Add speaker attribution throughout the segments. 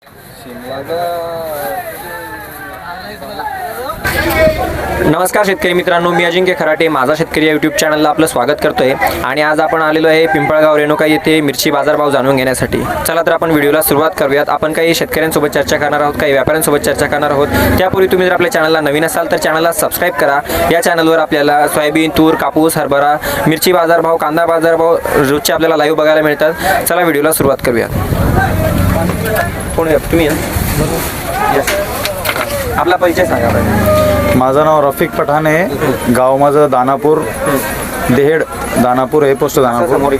Speaker 1: नमस्कार शेतकरी मित्रांनो, मी अजिंक्य खराटे माझा शेतकरी या यूट्यूब चॅनलला आपलं स्वागत करतोय. आणि आज आपण आलेलो आहे पिंपळगाव रेणुका येथे मिरची बाजारभाव जाणून घेण्यासाठी. चला तर आपण व्हिडिओला सुरुवात करूयात. आपण काही शेतकऱ्यांसोबत चर्चा करणार आहोत, काही व्यापाऱ्यांसोबत चर्चा करणार आहोत. त्यापूर्वी तुम्ही जर आपल्या चॅनलला नवीन असाल तर चॅनलला सबस्क्राईब करा. या चॅनलवर आपल्याला सोयाबीन, तूर, कापूस, हरभरा, मिरची बाजारभाव, कांदा बाजारभाव रोजचे आपल्याला लाईव्ह बघायला मिळतात. चला व्हिडिओला सुरुवात करूयात. कोण आहे तुम्ही? आपला परिचय सांगा.
Speaker 2: माझं नाव रफिक पठाण आहे. गाव माझं दानापूर, देहेड दानापूर आहे, पोस्ट दानापूर.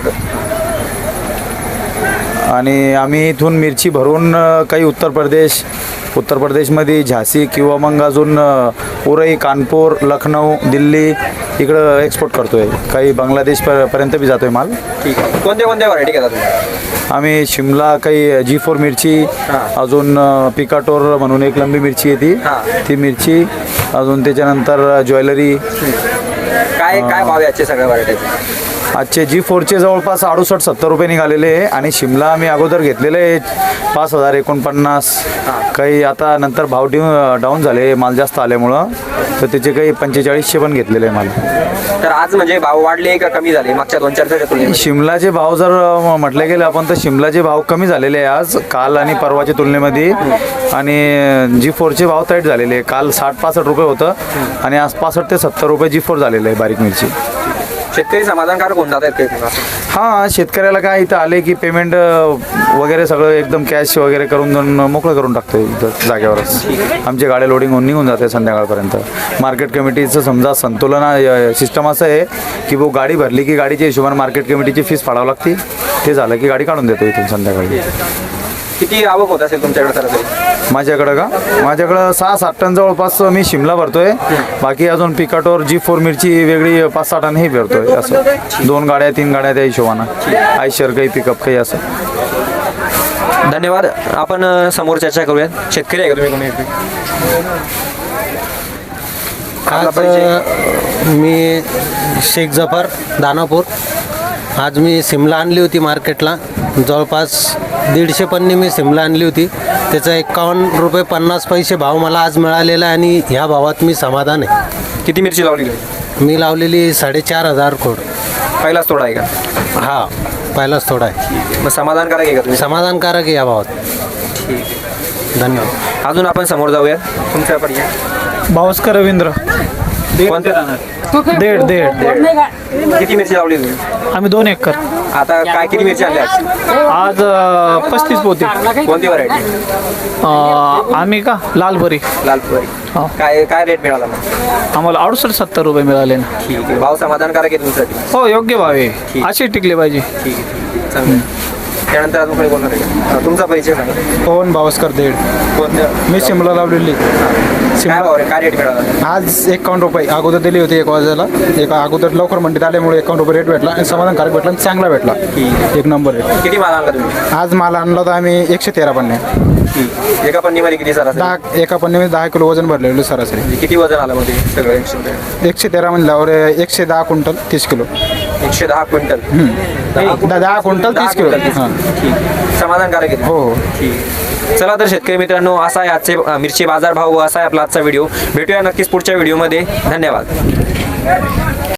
Speaker 2: आणि आम्ही इथून मिरची भरून काही उत्तर प्रदेशमध्ये झाशी किंवा मग अजून उरई, कानपूर, लखनौ, दिल्ली इकडं एक्सपोर्ट करतो आहे. काही बांगलादेशपर्यंत बी जातो आहे माल.
Speaker 1: ठीक आहे. कोणत्या व्हरायटी घेता तुम्ही?
Speaker 2: आम्ही शिमला, काही G4 मिरची, अजून पिकाटोर म्हणून एक लंबी मिरची आहे ती मिरची, अजून त्याच्यानंतर ज्वेलरी.
Speaker 1: काय भाव आहे आजचे सगळ्या व्हरायटीचे?
Speaker 2: आजचे G4चे जवळपास 68-70 रुपये निघालेले आहे. आणि शिमला आम्ही अगोदर घेतलेले आहे 5,049. काही आता नंतर भाव डाऊन झाले माल जास्त आल्यामुळं, तर त्याचे काही 4500 पण घेतलेले आहे माल.
Speaker 1: तर आज म्हणजे भाव वाढले का कमी झाले मागच्या 2-4 दिवसाच्या?
Speaker 2: शिमलाचे भाव जर म्हटले गेले आपण तर शिमलाचे भाव कमी झालेले आहे आज, काल आणि परवाच्या तुलनेमध्ये. आणि G4चे भाव टाईट झालेले आहे. काल 60-65 रुपये होतं आणि आज 65 ते 70 रुपये G4 झालेलं आहे बारीक मिरची.
Speaker 1: शेतकरी समाधानकारक होऊन जात आहेत?
Speaker 2: हां, शेतकऱ्याला काय इथं आले की पेमेंट वगैरे सगळं एकदम कॅश वगैरे करून मोकळं करून टाकतो इथं जागेवरच. आमची गाड्या लोडिंग होऊन निघून जाते संध्याकाळपर्यंत. मार्केट कमिटीचं समजा संतुलन सिस्टम असं आहे की भाऊ गाडी भरली की गाडीच्या हिशोबाने मार्केट कमिटीची फीस फाडावं लागते. ते झालं की गाडी काढून देतो इथून संध्याकाळी.
Speaker 1: किती आवक होत असेल तुमच्याकडे सरासरी?
Speaker 2: माझ्याकडं 6-7 टन जवळपास मी शिमला भरतोय. बाकी अजून पिकाटोर G4 मिरची वेगळी 5-6 टन हे भरतोय. असं 2 गाड्या 3 गाड्या त्या हिशोबानं, आयशर काही पिकअप काही असं.
Speaker 1: धन्यवाद. आपण समोर चर्चा करूयात. शेतकरी आहे का तुम्ही? कोणी?
Speaker 3: मी शेख जफर, दानापूर. आज मी शिमला आणली होती मार्केटला. जवळपास 150 पन्नी मी शिमला आणली होती. त्याचा 51 रुपये 50 पैसे भाव मला आज मिळालेला आहे आणि ह्या भावात मी समाधान आहे.
Speaker 1: किती मिरची लावली?
Speaker 3: मी लावलेली 4,500 खोड.
Speaker 1: पहिलाच तोडा आहे का?
Speaker 3: हा, पहिलाच थोडा आहे.
Speaker 1: मग समाधानकारक आहे का तुम्ही?
Speaker 3: समाधानकारक आहे या भावात.
Speaker 1: ठीक आहे,
Speaker 3: धन्यवाद.
Speaker 1: अजून आपण समोर जाऊयात. तुमच्या परिचय?
Speaker 2: भास्कर रवींद्र,
Speaker 1: कोणते राहणार?
Speaker 2: देड.
Speaker 1: किती मिरची लावली तुम्ही?
Speaker 2: आम्ही 2 एकर.
Speaker 1: आता काय किती मिरची आणली
Speaker 2: आज 35 पोते.
Speaker 1: कोणती व्हरायटी?
Speaker 2: आम्ही का लालबरी.
Speaker 1: लालपुरी.
Speaker 2: हो.
Speaker 1: काय रेट मिळाला मग?
Speaker 2: आम्हाला 68-70 रुपये मिळाले ना.
Speaker 1: ठीक आहे. भाव समाधानकारक आहे तुमच्यासाठी?
Speaker 2: हो, योग्य भाव आहे. असे टिकले पाहिजे.
Speaker 1: ठीक आहे, चांगलं. त्यानंतर अजून काही बोलणार आहे का? तुमचा परिचय सांगा.
Speaker 2: पवन भास्कर देड.
Speaker 1: कोणत्या?
Speaker 2: मी शिमला लावलेली.
Speaker 1: काय भाव आहे? काय रेट मिळाला?
Speaker 2: आज 51 रुपये अगोदर दिली होती 1 वाजायला. अगोदर लवकर मंडीत आल्यामुळे 51 रुपये रेट भेटला आणि समाधानकारक भेटला आणि चांगला भेटला. एक नंबर रेट.
Speaker 1: किती माल आणला तुम्ही?
Speaker 2: आज माल आणला होता आम्ही 113 पन्ने.
Speaker 1: एका पन्नीमध्ये किती सरासरी?
Speaker 2: एका पन्नेमध्ये 10 किलो वजन भरलेलं सरासरी.
Speaker 1: किती वजन आलं मग ते सगळं?
Speaker 2: 113 म्हणल्यावर 110 quintal 30 kilo.
Speaker 1: 110 quintal.
Speaker 2: 10 quintal 30 kilo. हां,
Speaker 1: ठीक. समाधानकारक आहे?
Speaker 2: हो.
Speaker 1: ठीक. चला तर शेतकरी मित्रांनो, असा आहे आजचे मिरची बाजार भाव, असा आहे आपला आजचा व्हिडिओ. भेटूया नक्कीच पुढच्या व्हिडिओमध्ये. धन्यवाद.